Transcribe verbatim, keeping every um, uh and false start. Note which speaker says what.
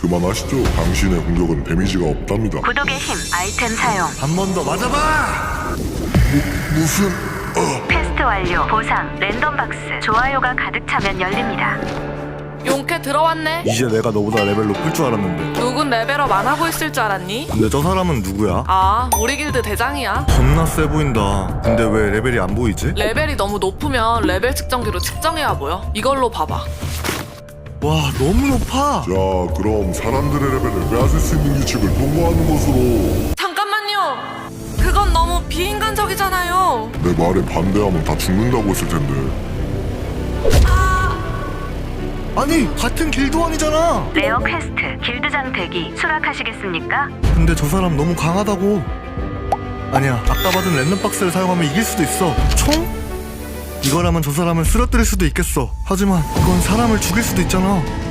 Speaker 1: 그만하시죠. 당신의 공격은 데미지가 없답니다.
Speaker 2: 구독의 힘 아이템 사용.
Speaker 3: 한 번 더 맞아봐!
Speaker 1: 무, 무슨... 어...
Speaker 2: 퀘스트 완료. 보상 랜덤 박스. 좋아요가 가득 차면 열립니다.
Speaker 4: 용케 들어왔네.
Speaker 3: 이제 내가 너보다 레벨 높을 줄 알았는데.
Speaker 4: 누군 레벨업 안 하고 있을 줄 알았니?
Speaker 3: 근데 저 사람은 누구야?
Speaker 4: 아, 우리 길드 대장이야.
Speaker 3: 겁나 세 보인다. 근데 왜 레벨이 안 보이지?
Speaker 4: 레벨이 너무 높으면 레벨 측정기로 측정해야 보여. 이걸로 봐봐.
Speaker 3: 와, 너무 높아!
Speaker 1: 자, 그럼 사람들의 레벨을 빼앗을 수 있는 규칙을 통과하는 것으로.
Speaker 4: 잠깐만요. 그건 너무 비인간적이잖아요.
Speaker 1: 내 말에 반대하면 다 죽는다고 했을 텐데.
Speaker 3: 아니, 같은 길드원이잖아!
Speaker 2: 레어 퀘스트 길드장 대기 수락하시겠습니까?
Speaker 3: 근데 저 사람 너무 강하다고. 아니야, 아까 받은 랜덤박스를 사용하면 이길 수도 있어. 총? 이거라면 저 사람을 쓰러뜨릴 수도 있겠어. 하지만 이건 사람을 죽일 수도 있잖아.